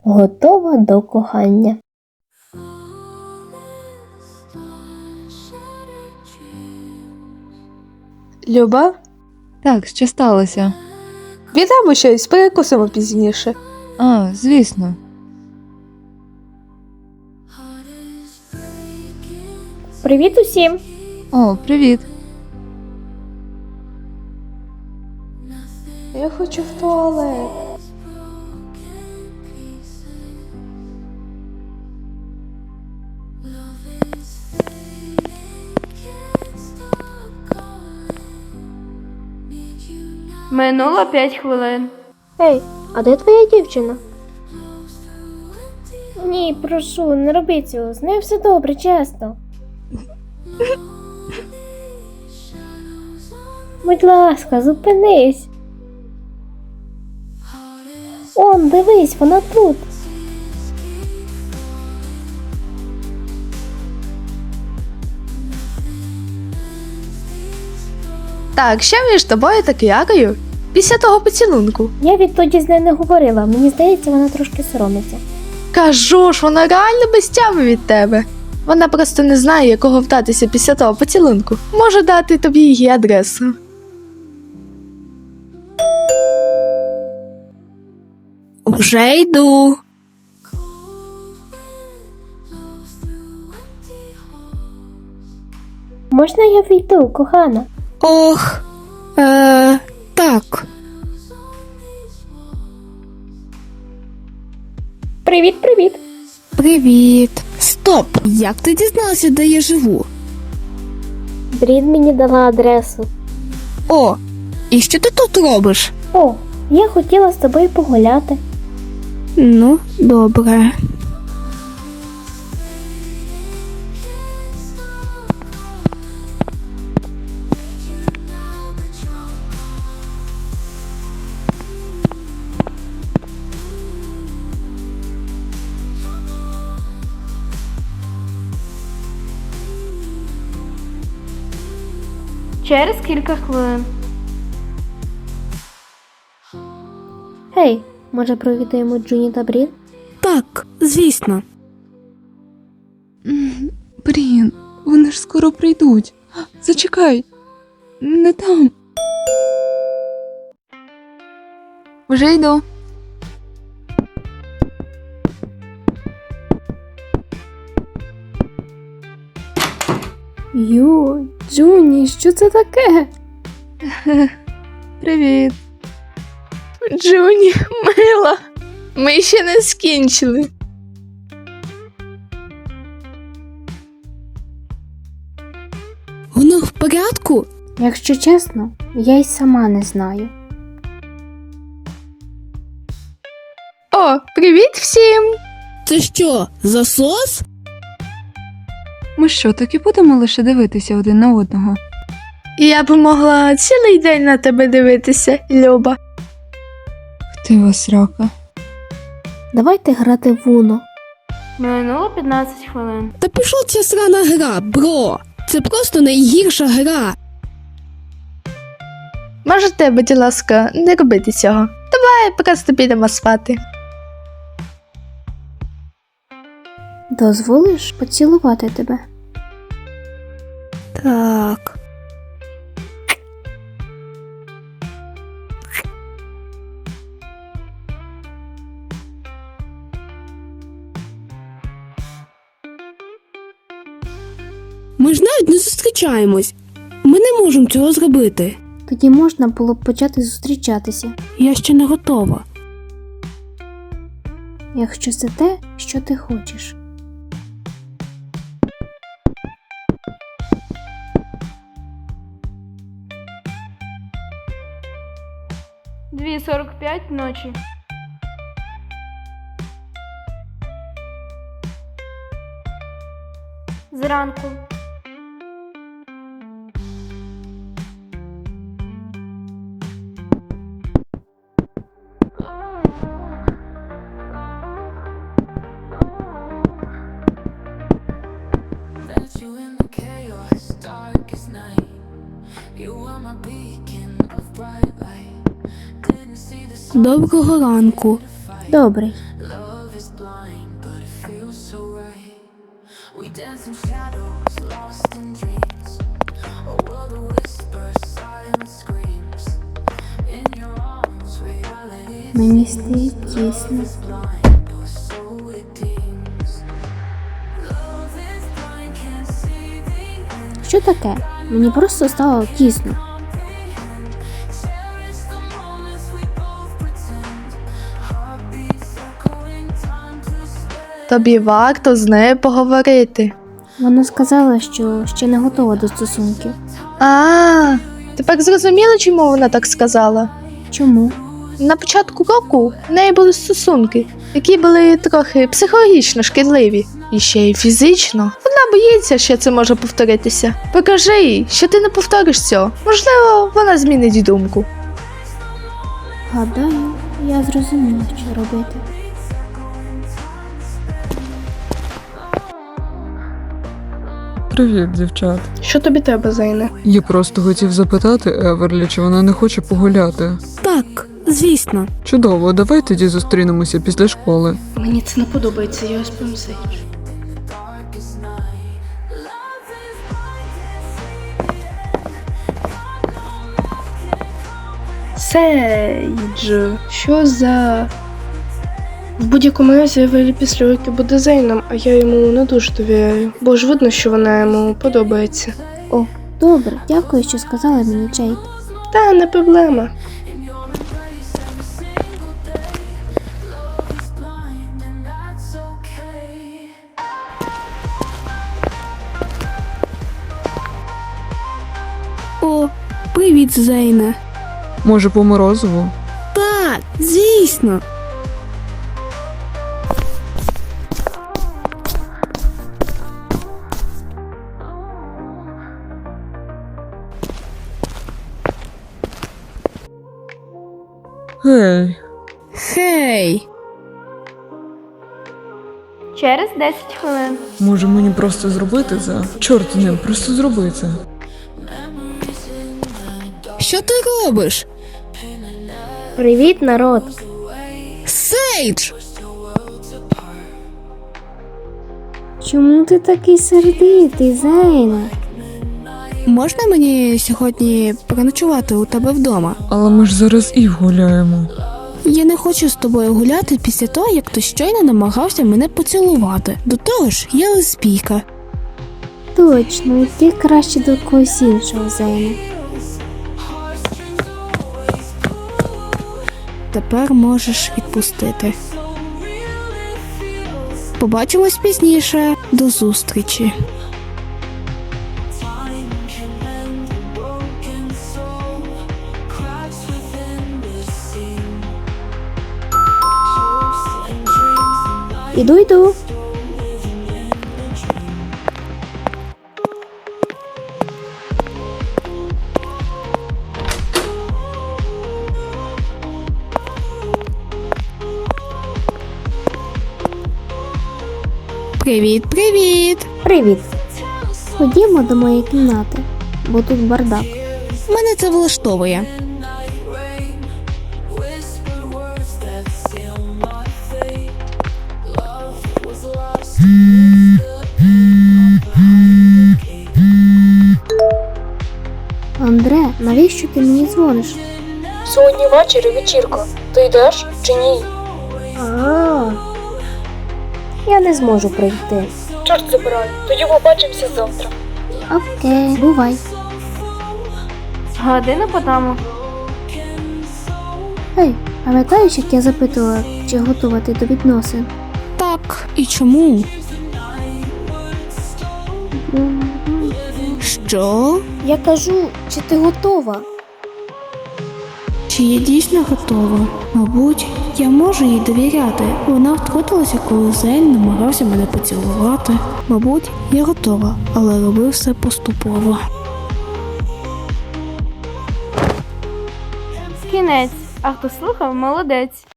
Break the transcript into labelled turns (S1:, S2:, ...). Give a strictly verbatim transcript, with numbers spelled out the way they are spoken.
S1: готова до кохання.
S2: Люба,
S3: Так, що сталося?
S2: віддамо щось, перекусимо пізніше.
S3: А, звісно.
S1: Привіт усім!
S3: О, привіт.
S2: Я хочу в туалет.
S4: Минуло п'ять хвилин.
S1: Ей, а де твоя дівчина? Ні, прошу, не роби цього. З нею все добре, чесно. Будь ласка, зупинись. Он, дивись, вона тут.
S2: Так, що між тобою та Кіарою? Після того поцілунку.
S1: Я відтоді з нею не говорила. Мені здається, вона трошки соромиться.
S2: Кажу ж, вона реально без тями від тебе. Вона просто не знає, якого вдатися після того поцілунку. Можу дати тобі її адресу. Вже йду.
S1: Можна я війду, кохана?
S2: Ох, е, так.
S1: Привіт, привіт.
S5: Привіт. Стоп! Як ти дізналася, де я живу?
S1: Брід мені дала адресу.
S5: О, і що ти тут робиш?
S1: О, я хотіла з тобою погуляти.
S5: Ну, добре.
S4: Через кілька хвилин.
S1: Гей, може провідаємо Джуні та Брід?
S5: Так, звісно.
S3: М, Блін, вони ж скоро прийдуть. Зачекай. Не там. Вже йду.
S1: Ю, Джуні, що це таке?
S3: Привіт.
S2: Джуні, мила, ми ще не скінчили.
S5: Воно в порядку?
S1: Якщо чесно, я й сама не знаю.
S2: О, привіт всім!
S5: Це що, засос?
S3: Ми що, так і будемо лише дивитися один на одного?
S2: Я б могла цілий день на тебе дивитися, Люба.
S3: Ти срака.
S1: Давайте грати в Уно.
S4: Минуло п'ятнадцять хвилин.
S5: Та пішла ця срана гра, бро. Це просто найгірша гра.
S2: Можете, будь ласка, не робити цього. Давай просто підемо спати.
S1: Дозволиш поцілувати тебе?
S5: Так. Ми ж навіть не зустрічаємось. Ми не можемо цього зробити.
S1: Тоді можна було б почати зустрічатися,
S5: Я ще не готова.
S1: якщо це те, що ти хочеш.
S4: дві сорок п'ять ночі. Зранку.
S5: Доброго ранку.
S1: Добрий. Мені стає тісно. Що таке? Мені просто стало тісно.
S2: Тобі варто з нею поговорити.
S1: Вона сказала, що ще не готова до стосунків.
S2: А, тепер зрозуміла, чому вона так сказала?
S1: Чому?
S2: На початку року в неї були стосунки, які були трохи психологічно шкідливі. І ще й фізично. Вона боїться, що це може повторитися. Покажи їй, що ти не повториш цього. Можливо, вона змінить думку.
S1: Гадаю, я зрозуміла, що робити.
S6: Привіт, дівчат.
S2: Що тобі треба, Зайне?
S6: Я просто хотів запитати Еверлі, чи вона не хоче погуляти.
S5: Так, звісно.
S6: Чудово, давай тоді зустрінемося після школи.
S2: Мені це не подобається, я ось помсич.
S7: Сейдж, що за. В будь-якому разі Евелі після роки буде Зейном, а я йому не дуже довіряю, бо ж видно, що вона йому подобається.
S1: О, добре, дякую, що сказала мені, Джейд.
S7: Та не проблема.
S5: О, привіт, Зейне.
S6: Може, по морозиву?
S5: Так, звісно.
S6: Гей,
S5: Хей.
S4: Через десять хвилин.
S6: може мені просто зробити це? Чорт з ним, просто зроби це.
S5: Що ти робиш?
S1: Привіт, народ!
S5: Сейдж!
S1: Чому ти такий сердитий, Зейна?
S5: Можна мені сьогодні переночувати у тебе вдома?
S6: Але ми ж зараз і гуляємо.
S5: Я не хочу з тобою гуляти після того, як ти щойно намагався мене поцілувати. До того ж, я лесбійка.
S1: Точно, йди краще до когось іншого, Зейна.
S5: Тепер можеш відпустити. Побачимось пізніше. До зустрічі.
S1: Іду, йду.
S5: Привіт, привіт!
S1: Привіт. Ходімо до моєї кімнати, бо тут бардак.
S5: Мене це влаштовує.
S1: Андре, навіщо ти мені дзвониш?
S8: Сьогодні ввечері вечірка. Ти йдеш чи ні?
S1: А, я не зможу прийти.
S8: Чорт забирай, тоді побачимося завтра.
S1: Окей, бувай.
S4: Година по тому.
S1: Ей, пам'ятаєш, як я запитувала, чи готова ти до відносин?
S5: Так, і чому? Що?
S1: Я кажу, чи ти готова?
S5: Чи я дійсно готова? Мабуть, я можу їй довіряти. Вона втрутилася, коли Зейн намагався мене поцілувати. Мабуть, я готова, але робив все поступово.
S4: Кінець. А хто слухав, молодець.